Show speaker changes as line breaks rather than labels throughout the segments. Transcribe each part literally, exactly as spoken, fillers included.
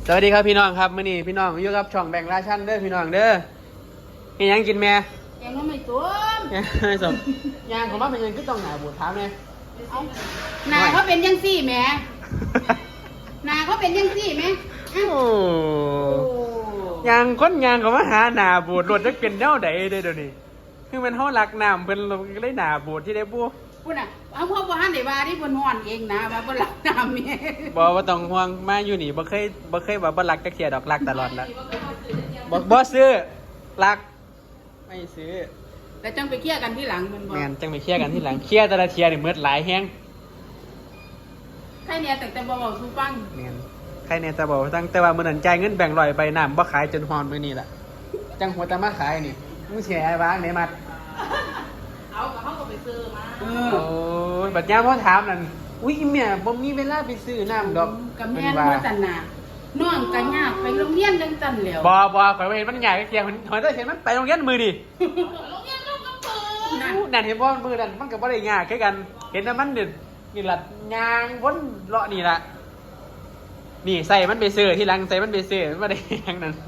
สวัสดีครับพี่น้องครับมื้อนี้พี่น้องอยู่กับช่องแบ่งราชันเด้อพี่น้องเด้อมีหยังกินแม่
ยังไม่ตุ้ม
ยังไม่สมยางของมันเป็นยังคือต้องหาบูดถามแม่
นาเขาเป็นยังซี่แม่นาเขาเป็นยังซี่แม่
โอ้ยางคนยางของมาหาหนาบูดรถจะเป็นแนวใดเด้อเดี๋ยวนี้คือมันเฮารักน้ำเพิ่นก็เลยหนาบูดที่ได้บ่
พุ่นน่ะเอาพ่อบ่ทันได้ว่าที่เพิ่นฮ้อนเองนะว่าบ่รักน้ำแม่
บ่บ่ต้องห่วงมาอยู่นี่บ่เคยบ่เคยว่าบ่รักจักเที่ยดอกรักตลอดละบ่บ่ซื้อรักไม่ซื้อ
แต่จังไปเคลียร์กันที่หลังมันบ่
แม่นจังไปเคลียร์กันที่หลังเคลียร์แต่ละเที่ยนี่หมดหลายแฮง
ใครเนี่ยแต่แต่บ่เว้าสู่ฟัง
แม่นใครเนี่ยแต่บอกตั้งแต่ว่ามื้อนั้นจ่ายเงินแบ่งค์ร้อยไปน้ำบ่ขายจนฮอนมื้อนี้ล่ะจังหัวตะมาขายนี่มึงสิให้วางไหนมัด
เอากับเขาก็ไปซื้อมา
โอ้ยบัดยามพ่อถามนั่นอุ้ยแม่บ่มีเวลาไปซื้อน้ำดอก
กับแม่นบ่ตันน่ะน้องก็ยากไปโรงเรียนจังซั่นแล้ว
บ่บ่ข่อยบ่เห็นมันยากเกียมันข่อยได้เห็นมันไปโรงเรียนมื้อดิ
โรงเรียนลูกก็เปิด
นั่นเห็นบ่มื้อนั้นมันก็บ่ได้ยากคือกันเห็นแต่มันนี่นี่ล่ะย่างวนเลาะนี่ล่ะนี่ใส่มันไปซื้อที่หลังใส่มันไปซื้อมันบ่ได้หยังนั่น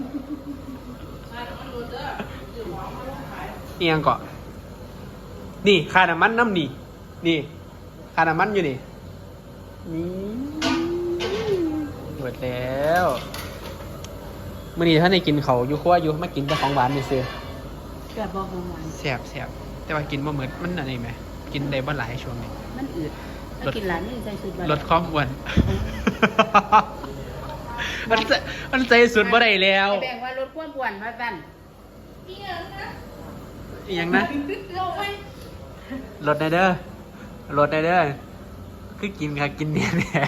อีหยังก็นี่ค่าน้ำมันน้ำนี่นี่ค่าน้ำมันอยู่นี่นี่หมดแล้วมื่อนี้ท่านได้กินเขาอยู่ครัวอยู่มากินแต่ของหวานไปซื้อ
เกิดบอกของหวาน
แซ่บแซ่บแต่ว่ากินบ่เหมือนมันอะไรไหมกินได้บ่หลายช่วงนี้
มันอืดถ้ากินหลายนี่ใส่สุด
ลดความอ้วนมันมันใส่สุดบ่ได้แล้ว
แบ่งว่าลดความอ้วนมาสั่นอีหยังนะ
อีหยังนะลดได้เด้อลดได้เด้อคือกินค่ะกินเนี่ยแหละ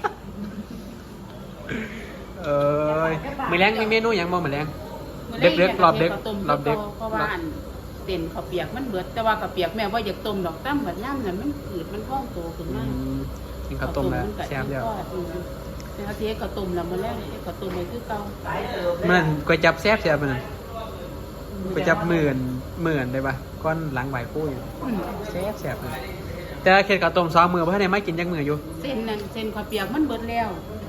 เอ้ยมื้อแรงมีเมนูหยังบ่มื้อแรงเด็กๆรอบเด็กรอบเด็ก
เพราะว่าเต็นข้าวเปียกมันเบิดแต่ว่าข้าวเปียกแม่ว่าอยากต้มดอกตั้มแบบย่ำนั่นมันอืดมันท้องโตขึ้นมา
กินข้าวต้มแล้วแซ่บแล้ว
แต่ถ้าเทียข้าวต้มแล้วมื้อแรกข้าวต้มไปคือเก่า
มันก๋วยจับแซ่บแซ่บมันก๋วยจับหมื่นหมื่นได้ป่ะก้อนหลังไหวคู่อยู่แซ่บแซ่บเลยแต่เค็ดข้าวต้มสองมื้อบ่ทันได้มากินจักมื้ออยู่
เส้นนั่นเส้นข้าวเปียกมันเบิดแล้ว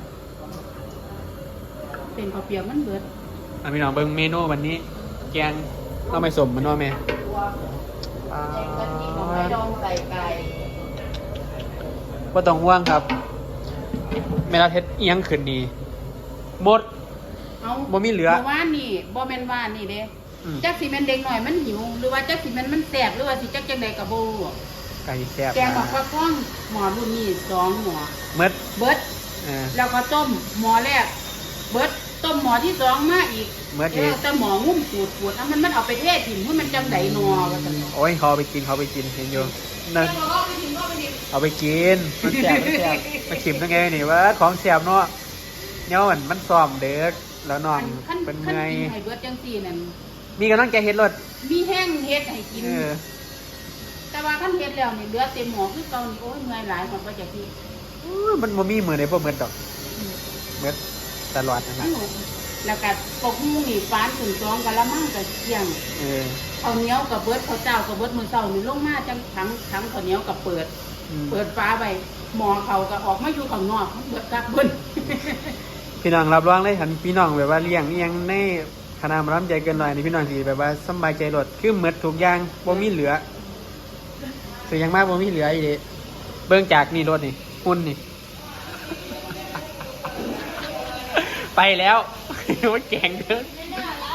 เส้นข้าวเปียกมันเบิด
อ่ะพี่น้องเบิ่งเมนูวันนี้แกงเราไม่สมมันว่าแม่
แกงกะทิหน่อไม้ดองใส่ไก่
บ่ต้องห่วงครับแม่เราเฮ็ดเอียงขึ้นนี่หมด
เอ้า
บ่มีเหลือ
บ่ว่านี่บ่แม่นว่านี่เด้จักสิแม่นเด็กน้อยมันหิวหรือว่าจักสิแม่นมันแซ่บหรือว่าสิจักจังได๋ก็บ่รู้
ไก่แซ่บ
แกงหมอกปลาข้องหม้อรุ่นนี้สองหม้อ
เบิด
เบิดเออแล้วก็ต้มหม้อแรกเบิดต้มหม้อที่สองมาอีก
เบิดอีก
แต่หม้องุ้มปูดๆแล้วมันมันเอาไปเทศถิ่มให้มันจังได๋นัวว่าซั่น
โอ้ยเขาไปกินเขาไปกินเห็นอยู่นั่นเอาไปกินมันแซ่บมันแซ่บมาชิมตั้งไงนี่ว่าของแซ่บเนาะเนี่ยมันมันซ้อมเด็กแล้วน้องเป็นไง
ให้เบิดจังซี่นั่น
มีกำลังใจเฮ็ดรถ
มีแห้งเฮ็ดให้กินแต่ว่าคันเฮ็ดแล้วนี่เหลือเต็มหม้อคือเก่านี่โอ้ยเมื่อยหลายมันบ่จักที่
มันบ่มีมื้อใดบ่เหมือนดอกเหมือนตลอดนั่นน่ะ
แล้วก็ปกหูนี่ฟานขึ้นสองกะละมังก็เที่ยงเออข้าวเหนียวก็เบิดข้าวเจ้าก็เบิดมื้อเช้านี่ลงมาจังถังถังข้าวเหนียวก็เปิดเปิดฝาไว้หม้อเขาก็ออกมาอยู่ข้างนอกเบิดกักเบิ่น
พี่น้องรับรองเลยหันพี่น้องแบบว่าเลี้ยงอีหยังในคณะมารำใจเกินหน่อยนี่พี่น้องสิแบบว่าสบายใจรถคือหมดทุกอย่างบ่มีเหลือคือยังมากบ่มีเหลืออีเด้เบิ่งจากนี่รถนี่หุ่นนี่ไปแล้วมันแกงเด้อ